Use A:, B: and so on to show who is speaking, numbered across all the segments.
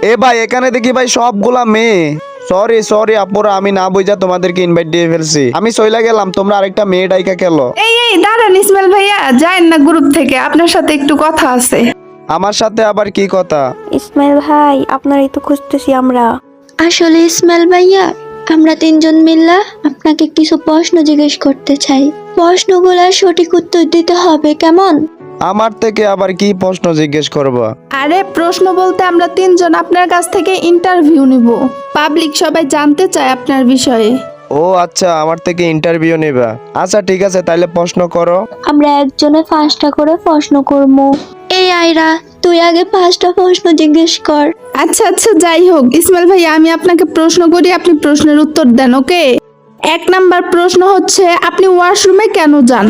A: এ ভাই এখানে দেখি ভাই সবগুলা মেয়ে। সরি সরি আপুরা, আমি না বুঝা তোমাদেরকে ইনভাইট দিয়ে ফেলছি। আমি চইলা গেলাম, তোমরা আরেকটা মেয়ে ডাইকা খেলো।
B: এই দাঁড়ান ইসমাইল ভাইয়া, যায়েন না গ্রুপ থেকে, আপনার সাথে একটু কথা আছে।
A: আমার সাথে আবার কি কথা?
C: ইসমাইল ভাই, আপনারই তো খুঁজতেছি আমরা।
D: আসলে ইসমাইল ভাইয়া, আমরা তিনজন মিল্লা আপনাকে কিছু প্রশ্ন জিজ্ঞেস করতে চাই। প্রশ্নগুলোর সঠিক উত্তর দিতে হবে, কেমন?
A: আমার থেকে আবার কি প্রশ্ন জিজ্ঞেস করবা?
B: আরে প্রশ্ন বলতে আমরা তিনজন আপনার কাছ থেকে ইন্টারভিউ নিব। পাবলিক সবাই জানতে চায় আপনার বিষয়ে।
A: ও আচ্ছা, আমার থেকে ইন্টারভিউ নেবা। আচ্ছা ঠিক আছে, তাইলে প্রশ্ন করো।
D: আমরা একজনে 5টা করে প্রশ্ন করব। এই আয়রা, তুই আগে 5টা প্রশ্ন জিজ্ঞেস কর।
B: আচ্ছা যাই হোক ইসমাইল ভাইয়া, আমি আপনাকে প্রশ্ন করি, আপনি প্রশ্নের উত্তর দেন, ওকে? 1 নাম্বার প্রশ্ন হচ্ছে, আপনি ওয়াশরুমে কেন যান?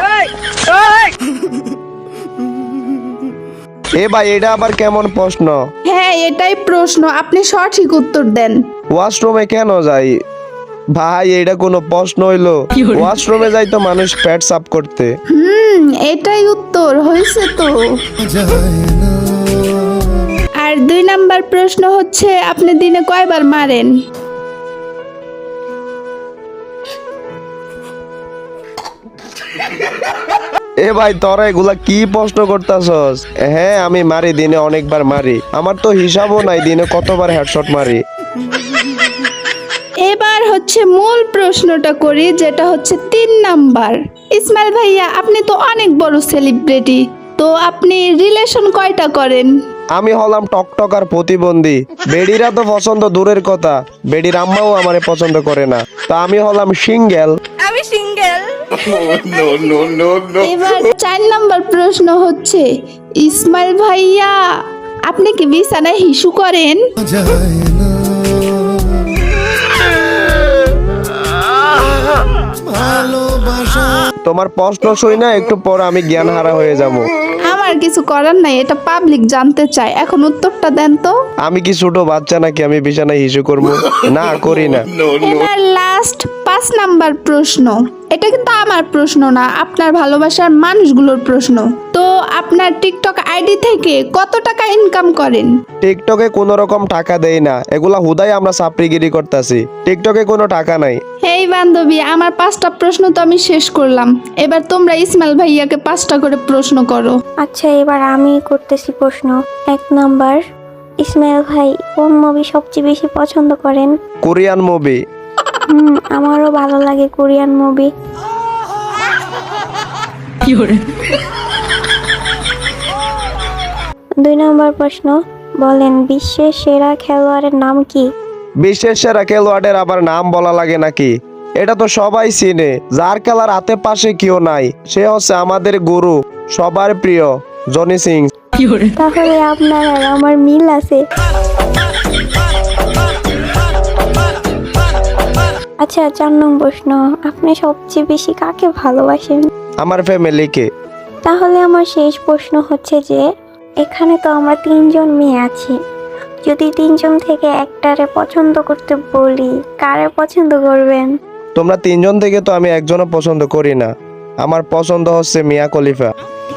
A: এ ভাই এটা আবার কেমন প্রশ্ন?
B: হ্যাঁ এটাই প্রশ্ন, আপনি সঠিক উত্তর দেন।
A: ওয়াশরুমে কেন যাই? ভাই এটা কোনো প্রশ্ন হইলো? ওয়াশরুমে যাই তো মানুষ পেট সাফ করতে।
B: এটাই উত্তর হয়েছে তো। আর 2 নাম্বার প্রশ্ন হচ্ছে, আপনি দিনে কয়বার মারেন?
A: এ ভাই তোরা এগুলা কি প্রশ্ন করতাছস? হ্যাঁ আমি মারি, দিনে অনেকবার মারি। আমার তো হিসাবও নাই দিনে কতবার হেডশট মারি।
B: এবার হচ্ছে মূল প্রশ্নটা করি, যেটা হচ্ছে 3 নাম্বার। ইসমাইল ভাইয়া, আপনি তো অনেক বড় সেলিব্রিটি, তো আপনি রিলেশন কয়টা করেন?
A: আমি হলাম টকটকার প্রতিবন্ধী। বেডিরা তো পছন্দ দূরের কথা, বেডির আম্মাও আমারে পছন্দ করে না। তা আমি হলাম সিঙ্গেল।
B: এবার 4 নাম্বার প্রশ্ন হচ্ছে, ইসমাইল ভাইয়া আপনি কি বিছানায় হিসু করেন?
A: তোমার প্রশ্ন শুই না একটু পর আমি জ্ঞান হারা হয়ে যাব।
B: আমার কিছু করার নাই, এটা পাবলিক জানতে চায়, এখন উত্তরটা দেন তো।
A: আমি কি ছোট বাচ্চা নাকি আমি বিছানায় হিসু করবো? না করি না।
B: এবার লাস্ট 5 নাম্বার প্রশ্ন। এটা কিন্তু আমার প্রশ্ন না, আপনার ভালোবাসার মানুষগুলোর প্রশ্ন। তো আপনার টিকটক আইডি থেকে কত টাকা ইনকাম করেন?
A: টিকটকে কোনো রকম টাকা দেই না, এগুলা হুদাই আমরা চাপড়িগিরি করতেছি। টিকটকে কোনো টাকা নাই।
B: হেই বান্ধবী, আমার 5টা প্রশ্ন তো আমি শেষ করলাম, এবার তোমরা ইসমাইল ভাইয়াকে 5টা করে প্রশ্ন করো।
C: আচ্ছা, এবার আমি করতেছি প্রশ্ন। 1 নাম্বার, ইসমাইল ভাই কোন মুভি সবচেয়ে বেশি পছন্দ করেন?
A: Korean movie.
C: আমারও ভালো লাগে কোরিয়ান মুভি। 2 নম্বর প্রশ্ন, বলেন বিশ্বের সেরা খেলোয়াড়ের নাম কি?
A: বিশ্বের সেরা খেলোয়াড়ের আবার নাম বলা লাগে নাকি? এটা তো সবাই চিনে, যার খেলার হাতে পাশে কেউ নাই, সে হচ্ছে আমাদের গুরু, সবার প্রিয় জনি সিং।
C: তাহলে আপনার আর আমার মিল আছে। আচ্ছা 4 নম্বর প্রশ্ন, আপনি সবচেয়ে বেশি কাকে ভালোবাসেন?
A: আমার ফ্যামিলিকে।
C: তাহলে আমার শেষ প্রশ্ন হচ্ছে যে, এখানে তো আমরা 3 জন মেয়ে আছি, যদি 3 জন থেকে একটারে পছন্দ করতে বলি, কারে পছন্দ করবেন?
A: তোমরা 3 জন থেকে তো আমি একজনও পছন্দ করি না, আমার পছন্দ হচ্ছে মিয়া খলিফা।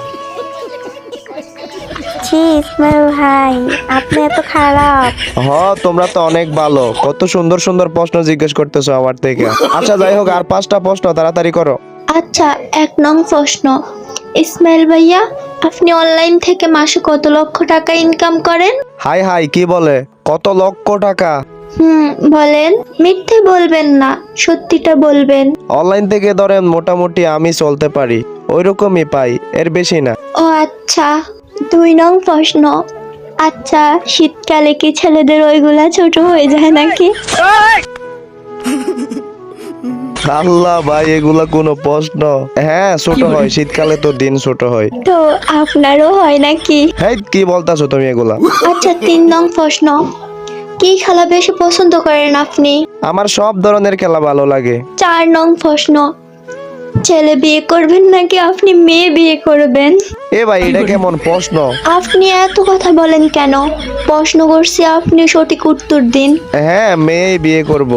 C: ছি ইসমাইল ভাই, আপনি এত খারাপ।
A: তোমরা তো অনেক ভালো, কত সুন্দর সুন্দর প্রশ্ন জিজ্ঞেস করতেছো আমার থেকে। আচ্ছা যাই হোক, আর 5টা প্রশ্ন তাড়াতাড়ি করো।
D: আচ্ছা 1 নং প্রশ্ন, ইসমাইল ভাইয়া আপনি অনলাইন থেকে মাসে কত লক্ষ টাকা ইনকাম করেন?
A: হাই হাই, কি বলে কত লক্ষ টাকা?
D: বলেন, মিথ্যে বলবেন না, সত্যিটা বলবেন।
A: অনলাইন থেকে ধরেন মোটামুটি আমি চলতে পারি, ওইরকমই পাই, এর বেশি না।
D: ও আচ্ছা। 2 নং প্রশ্ন, আচ্ছা শীতকালে কি ছেলেদের ওইগুলা ছোট হয়ে যায় নাকি?
A: আল্লাহ ভাই, এগুলা কোনো প্রশ্ন? হ্যাঁ ছোট হয়, শীতকালে তো দিন ছোট হয়।
D: তো আপনারও হয় নাকি?
A: হেই কি বলতাছো তুমি এগুলা?
D: আচ্ছা 3 নং প্রশ্ন, কি খেলা বেশি পছন্দ করেন আপনি?
A: আমার সব ধরনের খেলা ভালো লাগে।
D: 4 নং প্রশ্ন, ছেলে বিয়ে করবেন নাকি আপনি মেয়ে বিয়ে করবেন?
A: এ ভাই এটা কেমন প্রশ্ন?
D: আপনি এত কথা বলেন কেন? প্রশ্ন করছি, আপনি সঠিক উত্তর দিন।
A: হ্যাঁ মেয়ে বিয়ে করব।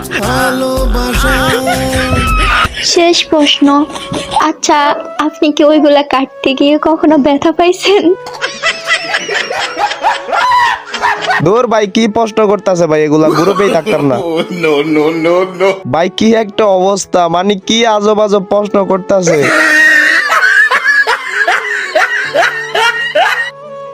D: শেষ প্রশ্ন, আচ্ছা আপনি কি ওইগুলা কাটতে গিয়ে কখনো ব্যথা পাইছেন?
A: দূর ভাই কি প্রশ্ন করতেছে ভাই, এগুলা গ্রুপেই থাকতাম না। ভাই কি একটা অবস্থা, মানে কি আজব আজব প্রশ্ন করতেছে।